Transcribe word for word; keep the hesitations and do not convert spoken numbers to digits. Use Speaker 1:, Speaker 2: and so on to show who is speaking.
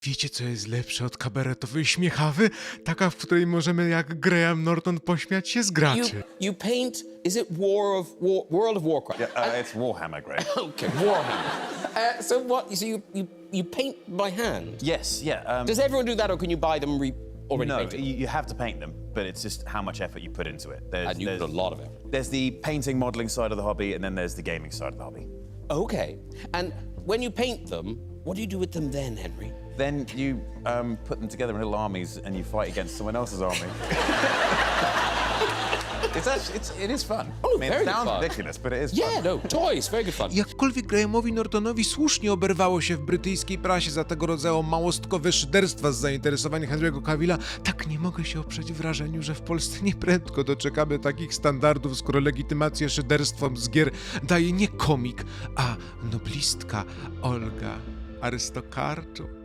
Speaker 1: Wiecie, co jest lepsze od kabaretowej śmiechawy? Taka, w której możemy jak Graham Norton pośmiać się z
Speaker 2: You,
Speaker 1: graczy.
Speaker 2: you paint, is it War of War, World of Warcraft?
Speaker 3: Yeah, uh, it's Warhammer, Greg.
Speaker 2: Okay, Warhammer. Uh, so what? So you, you you paint by hand?
Speaker 3: Yes, yeah. Um,
Speaker 2: Does everyone do that, or can you buy them re- already
Speaker 3: no,
Speaker 2: painted?
Speaker 3: you, you have to paint them, but it's just how much effort you put into it. There's,
Speaker 2: And you put a lot of effort.
Speaker 3: There's the painting, modeling side of the hobby, and then there's the gaming side of the hobby.
Speaker 2: Okay. And when you paint them, what do you do with them then, Henry?
Speaker 3: Then you um, put them together in little armies, and you fight against someone else's army. It's actually, it's, it is fun.
Speaker 2: Oh,
Speaker 3: I mean,
Speaker 2: very
Speaker 3: it sounds
Speaker 2: fun.
Speaker 3: ridiculous, but it is
Speaker 2: Yeah,
Speaker 3: fun.
Speaker 2: no, toys, very good fun.
Speaker 1: Jakkolwiek Grahamowi Nortonowi słusznie oberwało się w brytyjskiej prasie za tego rodzaju małostkowe szyderstwa z zainteresowania Henry'ego Cavilla, tak nie mogę się oprzeć wrażeniu, że w Polsce nieprędko doczekamy takich standardów, skoro legitymację szyderstwom z gier daje nie komik, a noblistka Olga Arystokarczuk.